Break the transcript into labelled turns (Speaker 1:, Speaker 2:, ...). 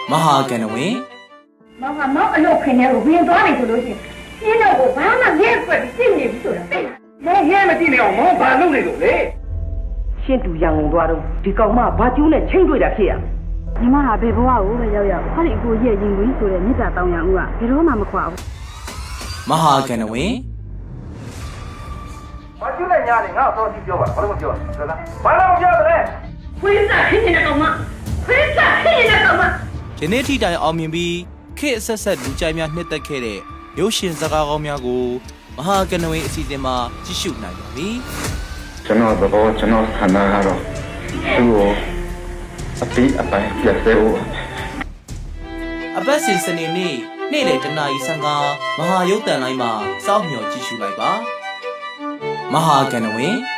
Speaker 1: မဟာကဏ္ဍဝင်
Speaker 2: မောင်ကမောင်အလုပ်ခင်ထဲကိုဝင်သွားပြီဆိုလို့ရှိရင်ရှင်းတော့ကိုဘာမှရဲကွက်ပြီးသိနေပြီဆိုတာသိလား
Speaker 3: မောင်ရဲမကြည့်နေအောင်မောင်ဘာလုပ်နေလို့လဲရှင်းတူရန်ကုန်သွားတော့ဒီကောင်မဘာကျူးနဲ့ချိန်တွေ့တာဖြစ်ရ
Speaker 4: ညီမဟာဘယ်ဘဝကိုပဲရောက်ရောက်ခါဒီအကိုရဲ့ရင်ဝင်ဆိုတဲ့မြစ်တာတောင်းရအောင်ကဘယ်တော့မှမခွာဘူး
Speaker 1: မဟာကဏ္ဍဝင်
Speaker 3: ဘာကျူးနဲ့ညားနေငါ့ကိုတော့ကြည့်ပြောပါဘာလို့မပြောလဲဘာလို့မပြောလဲ
Speaker 2: ခွေးစားခင်းနေတဲ့ကောင်မခွေးစားခင်းနေတဲ့ကောင်မ
Speaker 1: ယနေ့ထိတိုင်အောင်မြင်ပြီးခေတ်အဆက်ဆက်လူကြိုက်များနှစ်သက်ခဲ့တဲ့ရုပ်ရှင်စကားကောင်းများကိုမဟာကဏ္ဍဝင်အစီအစဉ်မှာကြည့်ရှုနိုင်ပါပြီ
Speaker 5: ကျွန်တော်တော့ကျွန်တော်ဆန္ဒကတော့သူ့ကိုအပိအပိုင်းပြတ်သေးဘူး
Speaker 1: အပတ်စဉ်စနေနေ့နေ့လယ်တနာရီ15မဟာရုပ်တန်လိုင်းမှာစောင့်မျှော်ကြည့်ရှုလိုက်ပါမဟာကဏ္ဍဝင်